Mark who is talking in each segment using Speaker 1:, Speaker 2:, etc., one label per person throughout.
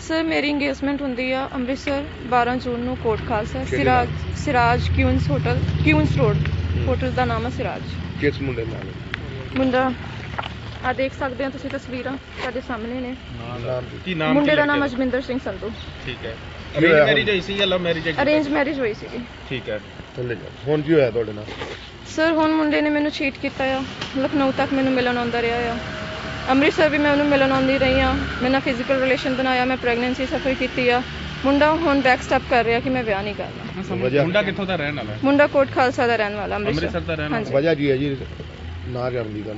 Speaker 1: Sir ਮੇਰੀ engagement ਹੁੰਦੀ ਆ ਅੰਮ੍ਰਿਤਸਰ 12 ਜੂਨ ਨੂੰ ਕੋਟ ਖਾਲਸਾ
Speaker 2: ਕਿਹੜੇ ਨਾਲ?
Speaker 1: Siraj Queens hotel Queens road hotel ਦਾ ਨਾਮ ਹੈ ਸਿਰਾਜ।
Speaker 2: ਕਿਸ ਮੁੰਡੇ ਨਾਲ?
Speaker 1: ਮੁੰਡਾ ਆ ਦੇਖ ਸਕਦੇ ਹੋ ਤੁਸੀਂ ਤਸਵੀਰਾਂ ਸਾਡੇ ਸਾਹਮਣੇ ਨੇ।
Speaker 2: ਕੀ ਨਾਮ?
Speaker 1: ਮੁੰਡੇ ਦਾ ਨਾਮ ਅਜਮਿੰਦਰ ਸਿੰਘ ਸੰਧੂ।
Speaker 2: ਠੀਕ ਹੈ। ਅਰੇਂਜ ਮੈਰਿਜ ਹੋਈ ਸੀ ਜਾਂ ਲਵ ਮੈਰਿਜ?
Speaker 1: ਅਰੇਂਜ ਮੈਰਿਜ ਹੋਈ ਸੀ।
Speaker 2: ਠੀਕ ਹੈ। ਥੱਲੇ ਜਾ। ਹੁਣ ਕੀ ਹੋਇਆ ਤੁਹਾਡੇ ਨਾਲ?
Speaker 1: ਸਰ ਹੁਣ ਮੁੰਡੇ ਨੇ ਮੈਨੂੰ ਚੀਟ ਕੀਤਾ ਆ। ਲਖਨਊ ਤੱਕ ਮੈਨੂੰ ਮਿਲਣ ਆਉਂਦਾ ਰਿਹਾ ਆ। ਅੰਮ੍ਰਿਤਸਰ ਵੀ ਮੈਂ ਉਹਨੂੰ ਮਿਲਣ ਆਉਂਦੀ ਰਹੀ ਹਾਂ। ਮੈਂ ਨਾਲ ਫਿਜ਼ੀਕਲ ਰਿਲੇਸ਼ਨ ਬਣਾਇਆ, ਮੈਂ ਪ੍ਰੈਗਨੈਂਸੀ ਸਫਰ ਕੀਤੀ ਆ। ਮੁੰਡਾ ਹੁਣ ਬੈਕ ਸਟੈਪ ਕਰ ਰਿਹਾ ਕਿ ਮੈਂ ਵਿਆਹ ਨਹੀਂ ਕਰਨਾ।
Speaker 2: ਮੁੰਡਾ ਕਿੱਥੋਂ ਦਾ ਰਹਿਣ ਵਾਲਾ?
Speaker 1: ਮੁੰਡਾ ਕੋਟ ਖਾਲਸਾ ਦਾ ਰਹਿਣ ਵਾਲਾ,
Speaker 2: ਅੰਮ੍ਰਿਤਸਰ ਦਾ ਰਹਿਣ ਵਾਲਾ। ਵਜ੍ਹਾ ਕੀ ਹੈ ਜੀ ਨਾ ਕਰਨ ਦੀ ਗੱਲ?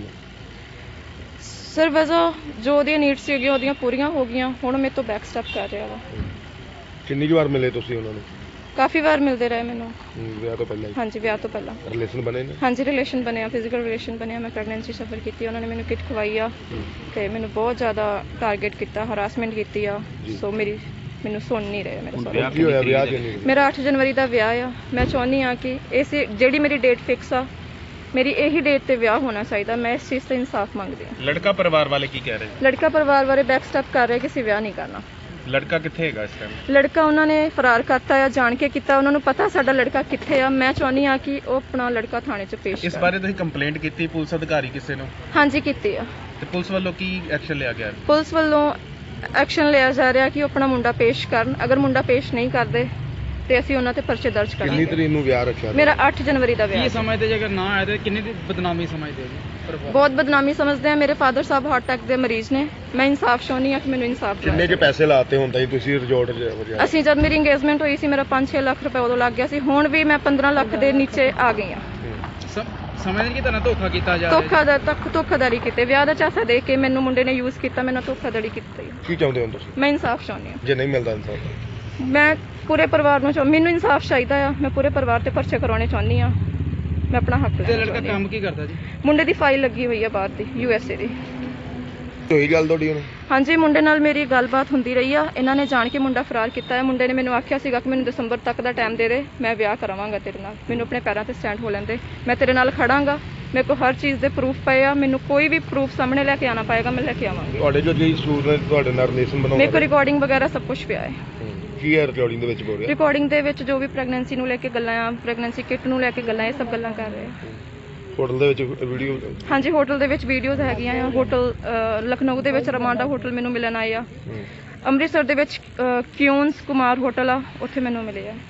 Speaker 1: ਸਰ ਵਜ੍ਹਾ ਜੋ ਉਹਦੀਆਂ ਨੀਡਸ ਸੀਗੀਆਂ ਉਹਦੀਆਂ ਪੂਰੀਆਂ ਹੋ ਗਈਆਂ, ਹੁਣ ਮੇਰੇ ਤੋਂ ਬੈਕ ਸਟੈਪ ਕਰ ਰਿਹਾ ਵਾ।
Speaker 2: ਕਿੰਨੀ ਵਾਰ ਮਿਲੇ ਤੁਸੀਂ ਉਹਨਾਂ ਨੂੰ?
Speaker 1: ਕਾਫੀ ਵਾਰ ਮਿਲਦੇ ਰਹੇ ਮੈਨੂੰ।
Speaker 2: ਵਿਆਹ ਤੋਂ ਪਹਿਲਾਂ?
Speaker 1: ਹਾਂਜੀ ਵਿਆਹ ਤੋਂ ਪਹਿਲਾਂ।
Speaker 2: ਰਿਲੇਸ਼ਨ ਬਣੇ ਨੇ? ਹਾਂਜੀ
Speaker 1: ਰਿਲੇਸ਼ਨ ਬਣਿਆ, ਫਿਜ਼ੀਕਲ ਰਿਲੇਸ਼ਨ ਬਣਿਆ। ਮੈਂ ਪ੍ਰੈਗਨੈਂਸੀ ਸਫਰ ਕੀਤੀ, ਉਹਨਾਂ ਨੇ ਮੈਨੂੰ ਕਿਟ ਖਵਾਈ ਆ ਤੇ ਮੈਨੂੰ ਬਹੁਤ ਜ਼ਿਆਦਾ ਟਾਰਗੇਟ ਕੀਤਾ, ਹਰਾਸਮੈਂਟ ਕੀਤੀ ਆ। ਸੋ ਮੈਨੂੰ ਸੁਣ ਨਹੀਂ ਰਹੇ ਮੇਰੇ ਸਾਰੇ।
Speaker 2: ਕੀ ਹੋਇਆ ਵਿਆਹ ਕਿਉਂ ਨਹੀਂ?
Speaker 1: ਮੇਰਾ 8 ਜਨਵਰੀ ਦਾ ਵਿਆਹ ਆ। ਮੈਂ ਚਾਹੁੰਦੀ ਆ ਕਿ ਇਸ ਜਿਹੜੀ ਮੇਰੀ ਡੇਟ ਫਿਕਸ ਆ, ਮੇਰੀ ਇਹੀ ਡੇਟ ਤੇ ਵਿਆਹ ਹੋਣਾ ਚਾਹੀਦਾ। ਮੈਂ ਇਸ ਚੀਜ਼ ਤੇ ਇਨਸਾਫ ਮੰਗਦੀ ਹਾਂ।
Speaker 2: ਲੜਕਾ ਪਰਿਵਾਰ ਵਾਲੇ ਕੀ ਕਹਿ ਰਹੇ?
Speaker 1: ਲੜਕਾ ਪਰਿਵਾਰ ਵਾਲੇ ਬੈਕ ਸਟੈਪ ਕਰ ਰਹੇ ਕਿ ਅਸੀਂ ਵਿਆਹ ਨਹੀਂ ਕਰਨਾ।
Speaker 2: ਲੜਕਾ ਕਿੱਥੇ ਹੈਗਾ ਇਸ ਟਾਈਮ?
Speaker 1: ਲੜਕਾ ਉਹਨਾਂ ਨੇ ਫਰਾਰ ਕਰਤਾ ਆ, ਜਾਣ ਕੇ ਕੀਤਾ। ਉਹਨਾਂ ਨੂੰ ਪਤਾ ਸਾਡਾ ਲੜਕਾ ਕਿੱਥੇ ਆ। ਮੈਂ ਚਾਹੁੰਦੀ ਆ ਕਿ ਉਹ ਆਪਣਾ ਲੜਕਾ ਥਾਣੇ 'ਚ ਪੇਸ਼
Speaker 2: ਇਸ ਬਾਰੇ ਤੁਸੀਂ ਕੰਪਲੇਂਟ ਕੀਤੀ ਪੁਲਿਸ ਅਧਿਕਾਰੀ ਕਿਸੇ ਨੂੰ?
Speaker 1: ਹਾਂਜੀ ਕੀਤੀ ਆ।
Speaker 2: ਤੇ ਪੁਲਿਸ ਵੱਲੋਂ ਕੀ ਐਕਸ਼ਨ ਲਿਆ ਗਿਆ?
Speaker 1: ਪੁਲਿਸ ਵੱਲੋਂ ਐਕਸ਼ਨ ਲਿਆ ਜਾ ਰਿਹਾ ਕਿ ਉਹ ਆਪਣਾ ਮੁੰਡਾ ਪੇਸ਼ ਕਰਨ। ਅਗਰ ਮੁੰਡਾ ਪੇਸ਼ ਨਹੀਂ ਕਰਦੇ ਤੇ ਅਸੀਂ ਉਹਨਾਂ ਤੇ ਪਰਚੇ ਦਰਜ ਕਰਾਂਗੇ।
Speaker 2: ਕਿੰਨੀ ਤਰੀਕ ਨੂੰ ਵਿਆਹ ਰੱਖਿਆ?
Speaker 1: ਮੇਰਾ 8 ਜਨਵਰੀ ਦਾ ਵਿਆਹ।
Speaker 3: ਕੀ ਸਮਝਦੇ ਜੇ ਅਗਰ ਨਾ ਆਏ ਤੇ ਕਿੰਨੀ ਦੀ ਬਦਨਾਮੀ ਸਮਝਦੇ ਹੋ?
Speaker 1: ਬਹੁਤ ਬਦਨਾਮੀ ਸਮਝਦੇ ਆ। ਮੇਰੇ ਫਾਦਰ ਸਾਹਿਬ ਹਾਰਟ ਅਟੈਕ ਦੇ ਮਰੀਜ਼ ਨੇ। ਮੈਂ ਇਨਸਾਫ ਚਾਹੁੰਦੀ ਆ ਕਿ ਮੈਨੂੰ ਇਨਸਾਫ ਦਿਵਾਇਆ।
Speaker 2: ਕਿੰਨੇ ਕੇ ਪੈਸੇ ਲਾਤੇ ਹੁੰਦਾ ਜੀ ਤੁਸੀਂ ਰਿਜ਼ੋਰਟ 'ਚ?
Speaker 1: ਅਸੀਂ ਜਦ ਮੇਰੀ ਇੰਗੇਜਮੈਂਟ ਹੋਈ ਸੀ ਮੇਰਾ 5-6 ਲੱਖ ਰੁਪਏ ਉਦੋਂ ਲੱਗ ਗਿਆ ਸੀ। ਹੁਣ ਵੀ ਮੈਂ 15 ਲੱਖ ਦੇ ਨੀਚੇ ਆ ਗਈ ਆ।
Speaker 3: ਸਮਝਦੇ ਕਿ ਤੁਹਾਨੂੰ ਧੋਖਾ ਕੀਤਾ ਜਾ
Speaker 1: ਰਿਹਾ? ਧੋਖਾਧੜੀ ਕੀਤੇ, ਵਿਆਹ ਦਾ ਝਾਂਸਾ ਦੇ ਕੇ ਮੈਨੂੰ ਮੁੰਡੇ ਨੇ ਯੂਜ਼ ਕੀਤਾ, ਮੈਨੂੰ ਧੋਖਾਧੜੀ ਕੀਤੀ।
Speaker 2: ਕੀ ਚਾਹੁੰਦੇ ਹੋ ਤੁਸੀਂ?
Speaker 1: ਮੈਂ ਇਨਸਾਫ ਚਾਹੁੰਦੀ ਆ।
Speaker 2: ਜੇ ਨਹੀਂ ਮਿਲਦਾ ਇਨਸਾਫ?
Speaker 1: ਮੈਂ ਪੂਰੇ ਪਰਿਵਾਰ ਨੂੰ ਮੈਨੂੰ ਇਨਸਾਫ ਚਾਹੀਦਾ ਆ। ਮੈਂ ਪੂਰੇ ਪਰਿਵਾਰ ਤੇ ਪਰਚੇ ਕਰਾਉਣੇ ਚਾਹੁੰਦੀ ਆ। ਮੈਂ ਆਪਣਾ ਹੱਕ ਲੈਣਾ ਚਾਹੁੰਦੀ ਆ।
Speaker 3: ਲੜਕਾ ਕੰਮ ਕੀ ਕਰਦਾ ਜੀ?
Speaker 1: ਮੁੰਡੇ ਦੀ ਫਾਈਲ ਲੱਗੀ ਹੋਈ ਆ ਬਾਹਰ ਦੀ, USA ਦੀ।
Speaker 2: ਹੋਈ ਗੱਲ ਤੁਹਾਡੀ ਹੁਣ?
Speaker 1: ਹਾਂਜੀ ਮੁੰਡੇ ਨਾਲ ਮੇਰੀ ਗੱਲਬਾਤ ਹੁੰਦੀ ਰਹੀ ਆ। ਇਹਨਾਂ ਨੇ ਜਾਣ ਕੇ ਮੁੰਡਾ ਫਰਾਰ ਕੀਤਾ ਹੈ। ਮੁੰਡੇ ਨੇ ਮੈਨੂੰ ਆਖਿਆ ਸੀਗਾ ਕਿ ਮੈਨੂੰ ਦਸੰਬਰ ਤੱਕ ਦਾ ਟਾਈਮ ਦੇ ਦੇ, ਮੈਂ ਵਿਆਹ ਕਰਾਵਾਂਗਾ ਤੇਰੇ ਨਾਲ। ਮੈਨੂੰ ਆਪਣੇ ਪੈਰਾਂ ਤੇ ਸਟੈਂਡ ਹੋ ਲੈਂਦੇ, ਮੈਂ ਤੇਰੇ ਨਾਲ ਖੜਾਂਗਾ। ਮੇਰੇ ਕੋਲ ਹਰ ਚੀਜ਼ ਦੇ ਪ੍ਰੂਫ ਪਏ ਆ। ਮੈਨੂੰ ਕੋਈ ਵੀ ਪ੍ਰੂਫ ਸਾਹਮਣੇ ਲੈ ਕੇ ਆਣਾ ਪਏਗਾ, ਮੈਂ ਲੈ ਕੇ ਆਵਾਂਗੀ।
Speaker 2: ਤੁਹਾਡੇ ਜੋ ਜੀ ਸੂਟ ਨੇ ਤੁਹਾਡੇ ਨਾਲ ਰਿਲੇਸ਼ਨ ਬਣਾਉਣਾ?
Speaker 1: ਮੇਰੇ ਕੋਲ ਰਿਕਾਰਡਿੰਗ ਵਗੈਰਾ ਸਭ ਕੁਝ ਪਿਆ ਹੈ।
Speaker 2: ਕੀ ਹੈ ਰਿਕਾਰਡਿੰਗ ਦੇ ਵਿੱਚ ਬੋਲ ਰਿਹਾ?
Speaker 1: ਰਿਕਾਰਡਿੰਗ ਦੇ ਵਿੱਚ ਜੋ ਵੀ ਪ੍ਰੈਗਨੈਂਸੀ ਨੂੰ ਲੈ ਕੇ ਗੱਲਾਂ ਆ, ਪ੍ਰੈਗਨੈਂਸੀ ਕਿਟ ਨੂੰ ਲੈ ਕੇ ਗੱਲਾਂ, ਇਹ ਸਭ ਗੱਲਾਂ ਕਰ ਰਹੇ ਆ।
Speaker 2: ਹੋਟਲ ਦੇ ਵਿੱਚ ਵੀਡੀਓ?
Speaker 1: ਹਾਂਜੀ ਹੋਟਲ ਦੇ ਵਿੱਚ ਵੀਡੀਓਜ਼ ਹੈਗੀਆਂ ਆ। ਹੋਟਲ ਲਖਨਊ ਦੇ ਵਿੱਚ ਰਮਾਂਡਾ ਹੋਟਲ ਮੈਨੂੰ ਮਿਲਣ ਆਏ ਆ। ਅੰਮ੍ਰਿਤਸਰ ਦੇ ਵਿੱਚ ਕਿਊਨਸ ਕੁਮਾਰ ਹੋਟਲ ਆ, ਉੱਥੇ ਮੈਨੂੰ ਮਿਲੇ ਆ।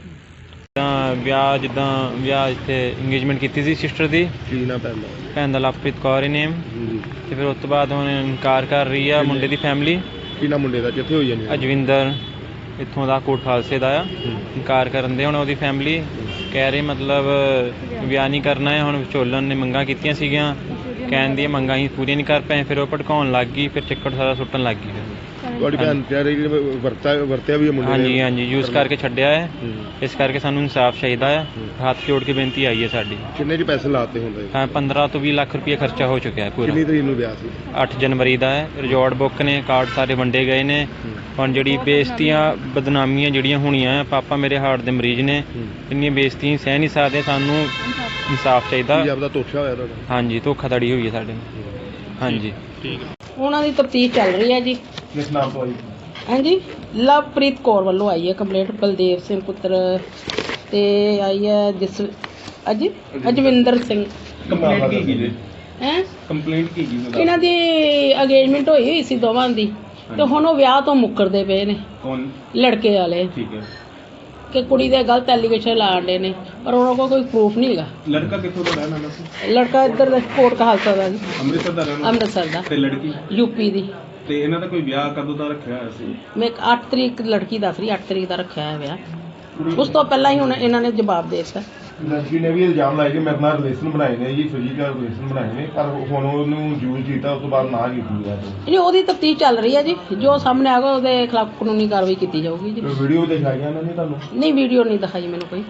Speaker 4: ਵਿਆਹ ਇੱਥੇ ਇੰਗੇਜਮੈਂਟ ਕੀਤੀ ਸੀ ਸਿਸਟਰ ਦੀ।
Speaker 2: ਕੀ ਨਾ
Speaker 4: ਭੈਣ ਦਾ ਲਵਪ੍ਰੀਤ ਕੌਰ ਹੀ ਨੇਮ। ਤੇ ਫਿਰ ਉਸ ਤੋਂ ਬਾਅਦ ਹੁਣ ਇਨਕਾਰ ਕਰ ਰਹੀ ਆ ਮੁੰਡੇ ਦੀ ਫੈਮਿਲੀ।
Speaker 2: ਕੀ ਨਾ ਮੁੰਡੇ ਦਾ? ਕਿੱਥੇ ਹੋਈ ਜਾਨੀ?
Speaker 4: ਅਜਵਿੰਦਰ ਇੱਥੋਂ ਦਾ ਕੋਟ ਖਾਲਸੇ ਦਾ ਆ। ਇਨਕਾਰ ਕਰਨ ਦੇ ਹੁਣ ਉਹਦੀ ਫੈਮਿਲੀ ਕਹਿ ਰਹੀ ਮਤਲਬ ਵਿਆਹ ਨਹੀਂ ਕਰਨਾ ਹੈ। ਹੁਣ ਵਿਚੋਲਨ ਨੇ ਮੰਗਾਂ ਕੀਤੀਆਂ ਸੀਗੀਆਂ, ਕਹਿਣ ਦੀਆਂ ਮੰਗਾਂ ਹੀ ਪੂਰੀਆਂ ਨਹੀਂ ਕਰ ਪਏ। ਫਿਰ ਉਹ ਭੜਕਾਉਣ ਲੱਗ ਗਈ, ਫਿਰ ਚਿੱਕੜ ਸਾਰਾ ਸੁੱਟਣ ਲੱਗ ਗਈ।
Speaker 2: ਤੁਹਾਡੀ ਭੈਣ ਕਹਿ ਰਹੀ ਵਰਤਿਆ ਵੀ ਮੁੰਡੇ ਨੇ? ਹਾਂਜੀ
Speaker 4: ਯੂਜ਼ ਕਰਕੇ ਛੱਡਿਆ ਹੈ। ਇਸ ਕਰਕੇ ਸਾਨੂੰ ਇਨਸਾਫ ਚਾਹੀਦਾ ਹੈ। ਹੱਥ ਜੋੜ ਕੇ ਬੇਨਤੀ ਆਈ ਹੈ ਸਾਡੀ।
Speaker 2: ਕਿੰਨੇ ਜੀ ਪੈਸੇ ਲਾਤੇ ਹੁੰਦੇ?
Speaker 4: 15 ਤੋਂ 20 ਲੱਖ ਰੁਪਏ ਖਰਚਾ ਹੋ ਚੁੱਕਿਆ ਹੈ ਪੂਰਾ।
Speaker 2: ਕਿੰਨੀ ਤਰੀਕ ਨੂੰ ਵਿਆਹ ਸੀ?
Speaker 4: 8 ਜਨਵਰੀ ਦਾ ਹੈ। ਰਿਜ਼ੋਰਟ ਬੁੱਕ ਨੇ, ਕਾਰਡ ਸਾਰੇ ਵੰਡੇ ਗਏ ਨੇ। ਹੁਣ ਜਿਹੜੀ ਬੇਇੱਜ਼ਤੀਆਂ ਬਦਨਾਮੀਆਂ ਜਿਹੜੀਆਂ ਹੋਣੀਆਂ, ਪਾਪਾ ਮੇਰੇ ਹਾਰਟ ਦੇ ਮਰੀਜ਼ ਨੇ, ਇੰਨੀਆਂ ਬੇਇੱਜ਼ਤੀਆਂ ਸਹਿ ਨਹੀਂ ਸਕਦੇ। ਸਾਨੂੰ ਇਨਸਾਫ ਚਾਹੀਦਾ।
Speaker 2: ਆਪਦਾ ਧੋਖਾ ਹੋਇਆ ਤੁਹਾਡਾ?
Speaker 4: ਹਾਂਜੀ ਧੋਖਾਧੜੀ ਹੋਈ ਹੈ ਸਾਡੇ ਨਾਲ। ਹਾਂਜੀ
Speaker 2: ਠੀਕ ਹੈ।
Speaker 5: ਉਹਨਾਂ ਦੀ ਤਫਤੀਸ਼ ਚੱਲ ਰਹੀ ਹੈ ਜੀ।
Speaker 2: ਕਿਸ ਨਾਮ ਤੋਂ ਆਈ?
Speaker 5: ਹਾਂਜੀ ਲਵਪ੍ਰੀਤ ਕੌਰ ਵੱਲੋਂ ਆਈ ਹੈ ਕੰਪਲੇਂਟ। ਬਲਦੇਵ ਸਿੰਘ ਪੁੱਤਰ ਤੇ ਆਈ ਹੈ ਅਜਵਿੰਦਰ ਸਿੰਘ।
Speaker 2: ਕੰਪਲੇਂਟ ਕੀ ਕੀ ਜੀ?
Speaker 5: ਕੰਪਲੇਂਟ ਕੀ ਇਹਨਾਂ ਦੀ ਅੰਗੇਜਮੈਂਟ ਹੋਈ ਸੀ ਦੋਵਾਂ ਦੀ, ਤੇ ਹੁਣ ਉਹ ਵਿਆਹ ਤੋਂ ਮੁੱਕਰਦੇ ਪਏ ਨੇ।
Speaker 2: ਕੌਣ?
Speaker 5: ਲੜਕੇ ਵਾਲੇ।
Speaker 2: ਠੀਕ ਹੈ।
Speaker 5: ਕਿ ਕੁੜੀ ਦੇ ਗਲਤ ਐਲੀਗੇਸ਼ਨ ਲਾਣ ਦੇ ਨੇ, ਪਰ ਉਹਨਾਂ ਕੋਲ ਕੋਈ ਪ੍ਰੂਫ ਨਹੀਂ ਹੈਗਾ।
Speaker 2: ਲੜਕਾ ਕਿੱਥੋਂ ਦਾ ਰਹਿਣ ਵਾਲਾ ਸੀ?
Speaker 5: ਲੜਕਾ ਇੱਧਰ ਦਾ ਕੋਟ ਖਾਲਸਾ ਦਾ ਜੀ,
Speaker 2: ਅੰਮ੍ਰਿਤਸਰ ਦਾ ਰਹਿਣ ਵਾਲਾ?
Speaker 5: ਅੰਮ੍ਰਿਤਸਰ ਦਾ।
Speaker 2: ਤੇ ਲੜਕੀ?
Speaker 5: ਯੂਪੀ ਦੀ।
Speaker 2: ਤੇ ਇਹਨਾਂ ਦਾ ਕੋਈ ਵਿਆਹ ਕਦੋਂ ਦਾ ਰੱਖਿਆ ਹੋਇਆ ਸੀ?
Speaker 5: ਮੈਂ 8 ਤਰੀਕ ਲੜਕੀ ਦੱਸ ਰਹੀ, 8 ਤਰੀਕ ਦਾ ਰੱਖਿਆ ਹੈ ਵਿਆਹ। ਉਸ ਤੋਂ ਪਹਿਲਾਂ ਹੀ ਹੁਣ ਇਹਨਾਂ ਨੇ ਜਵਾਬ ਦੇ ਦਿੱਤਾ।
Speaker 2: ਲੜਕੀ ਨੇ ਵੀ ਇਲਜ਼ਾਮ ਲਾਇਆ ਕਿ ਮੇਰੇ ਨਾਲ ਰਿਲੇਸ਼ਨ ਬਣਾਏ ਨੇ ਜੀ, ਫਿਜ਼ੀਕਲ ਰਿਲੇਸ਼ਨ ਬਣਾਏ ਨੇ, ਪਰ ਹੁਣ ਉਹਨੂੰ ਯੂਜ਼ ਕੀਤਾ, ਉਸ ਤੋਂ ਬਾਅਦ ਨਾ ਕੀਤੀ ਗਿਆ।
Speaker 5: ਨਹੀਂ ਉਹਦੀ ਤਫਤੀਸ਼ ਚੱਲ ਰਹੀ ਹੈ ਜੀ। ਜੋ ਸਾਹਮਣੇ ਆਗਾ ਉਹਦੇ ਖਿਲਾਫ ਕਾਨੂੰਨੀ ਕਾਰਵਾਈ ਕੀਤੀ ਜਾਊਗੀ ਜੀ।
Speaker 2: ਵੀਡੀਓ ਦਿਖਾਈਆਂ ਇਹਨਾਂ ਨੇ ਤੁਹਾਨੂੰ?
Speaker 5: ਨਹੀਂ ਵੀਡੀਓ ਨਹੀਂ ਦਿਖਾਈ ਮੈਨੂੰ ਕੋਈ।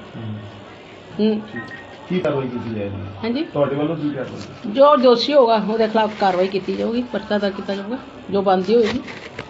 Speaker 2: ਕੀ ਕਾਰਵਾਈ ਕੀਤੀ ਜਾਏਗੀ?
Speaker 5: ਹਾਂਜੀ
Speaker 2: ਤੁਹਾਡੇ ਵੱਲੋਂ ਕੀ ਕਾਰਵਾਈ?
Speaker 5: ਜੋ ਦੋਸ਼ੀ ਹੋਗਾ ਉਹਦੇ ਖਿਲਾਫ ਕਾਰਵਾਈ ਕੀਤੀ ਜਾਊਗੀ, ਪਰਚਾ ਦਰਜ ਕੀਤਾ ਜਾਊਗਾ, ਜੋ ਬਣਦੀ ਹੋਏਗੀ।